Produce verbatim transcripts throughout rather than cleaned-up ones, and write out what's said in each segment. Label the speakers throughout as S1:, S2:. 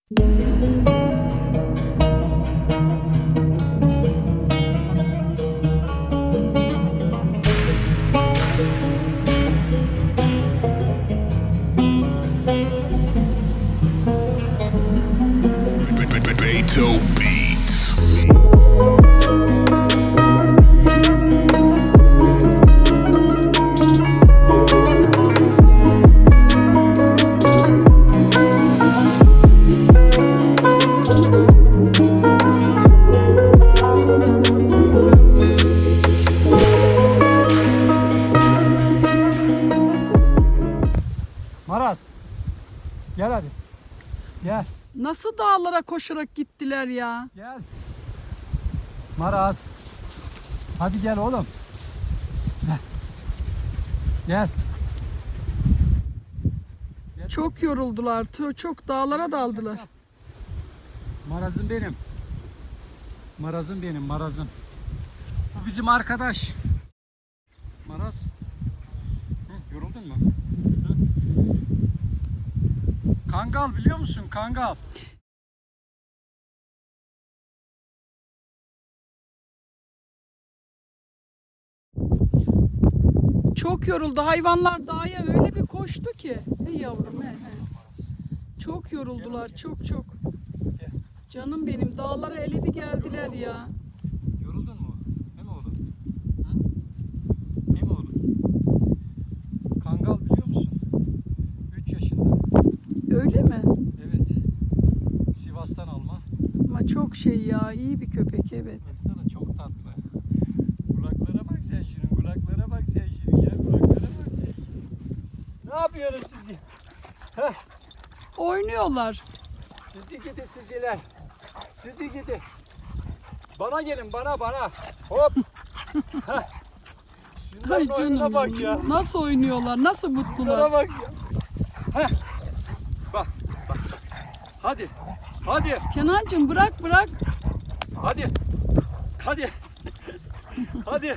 S1: Beto Beats.
S2: Maraz, gel hadi. Gel,
S3: Nasıl dağlara koşarak gittiler ya?
S2: gel. Maraz. Hadi gel oğlum. Gel. Gel. Gel.
S3: Çok yoruldular. tö- Çok dağlara daldılar.
S2: Marazım benim. Marazım benim, marazım. Bu bizim arkadaş. Maraz. Hı, yoruldun mu? Hı? Kangal biliyor musun? Kangal.
S3: Çok yoruldu. Hayvanlar dağa öyle bir koştu ki. Hey yavrum he, he. Çok yoruldular. Çok çok.
S2: Gel.
S3: Canım benim. Dağlara eledi geldiler ya.
S2: Yoruldun mu? He mi oğlum? Hı? He mi oğlum? Kangal biliyor musun? üç yaşında.
S3: Öyle mi?
S2: Evet. Sivas'tan alma.
S3: Ama çok şey ya. İyi bir köpek evet.
S2: Baksana çok tatlı. Kulaklara bak sen şunun. Kulaklara bak sen şunun ya. Kulaklara bak sen şunun. Ne yapıyorsunuz siz? Heh.
S3: Oynuyorlar.
S2: Sizi gidi siziler. Sizi gidi. Bana gelin bana bana. Hop. Heh.
S3: Ay
S2: Şunların oyununa
S3: canım.
S2: bak ya.
S3: Nasıl oynuyorlar? Nasıl
S2: Şunlara
S3: mutlular?
S2: bak ya. Heh. Bak bak. Hadi. Hadi.
S3: Kenancığım bırak bırak.
S2: Hadi. Hadi. Hadi.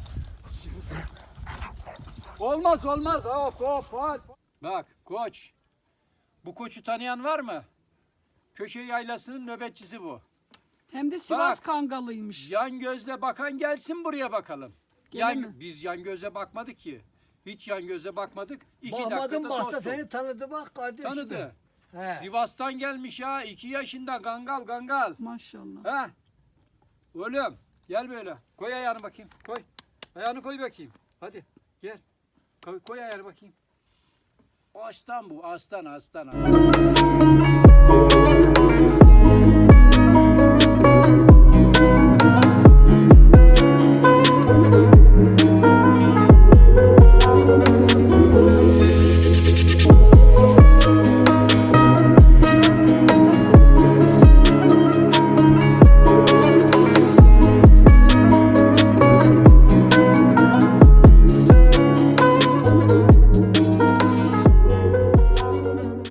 S2: Olmaz olmaz. Hop hop hop. Bak koç. Bu koçu tanıyan var mı? Köşe yaylasının nöbetçisi bu.
S3: Hem de Sivas
S2: Bak.
S3: Kangalıymış.
S2: Yan gözle bakan gelsin buraya bakalım. Yan,
S3: Gelemem.
S2: biz yan göze bakmadık ki. Hiç yan göze bakmadık. İki
S4: Bakmadım
S2: dakikada
S4: baktı
S2: dostum.
S4: seni tanıdı bak kardeşim.
S2: Tanıdı.
S4: He.
S2: Sivas'tan gelmiş ya. iki yaşında gangal gangal.
S3: Maşallah.
S2: Ha? Oğlum gel böyle. Koy ayağını bakayım. Koy. Ayağını koy bakayım. Hadi gel. Koy, koy ayağını bakayım. Aslan bu. Aslan aslan. aslan.